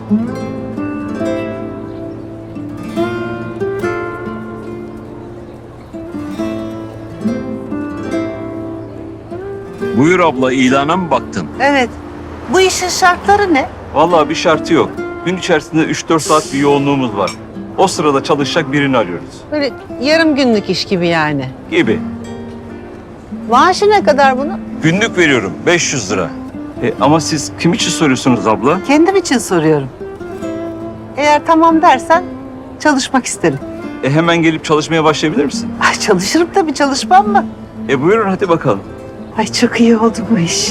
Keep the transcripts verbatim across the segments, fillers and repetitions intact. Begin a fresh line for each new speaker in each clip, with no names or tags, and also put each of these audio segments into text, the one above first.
Buyur abla, ilana mı baktın?
Evet. Bu işin şartları ne?
Vallahi bir şartı yok. Gün içerisinde üç dört saat bir yoğunluğumuz var. O sırada çalışacak birini arıyoruz.
Böyle yarım günlük iş gibi yani.
Gibi.
Maaşı ne kadar bunun?
Günlük veriyorum beş yüz lira. E, ama siz kim için soruyorsunuz abla?
Kendim için soruyorum. Eğer tamam dersen çalışmak isterim.
E, hemen gelip çalışmaya başlayabilir misin?
Ay çalışırım tabii, çalışmam mı?
E buyurun hadi bakalım.
Ay çok iyi oldu bu iş.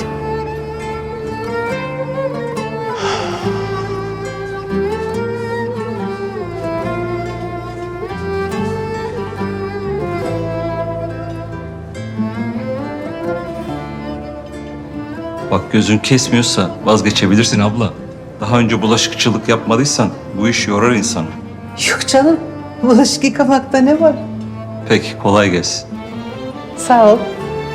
Bak gözün kesmiyorsa vazgeçebilirsin abla. Daha önce bulaşıkçılık yapmadıysan bu iş yorar insanı.
Yok canım, bulaşık yıkamakta ne var?
Peki kolay gelsin.
Sağ ol.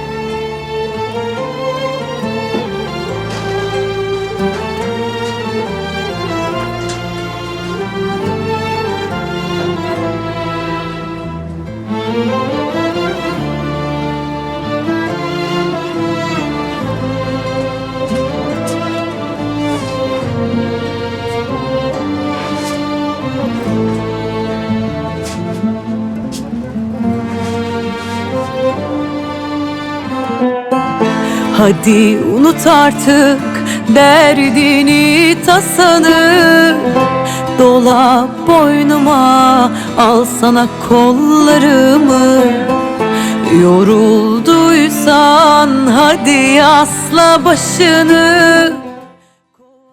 Hadi unut artık derdini tasanı, dola boynuma, al sana kollarımı. Yorulduysan hadi asla başını,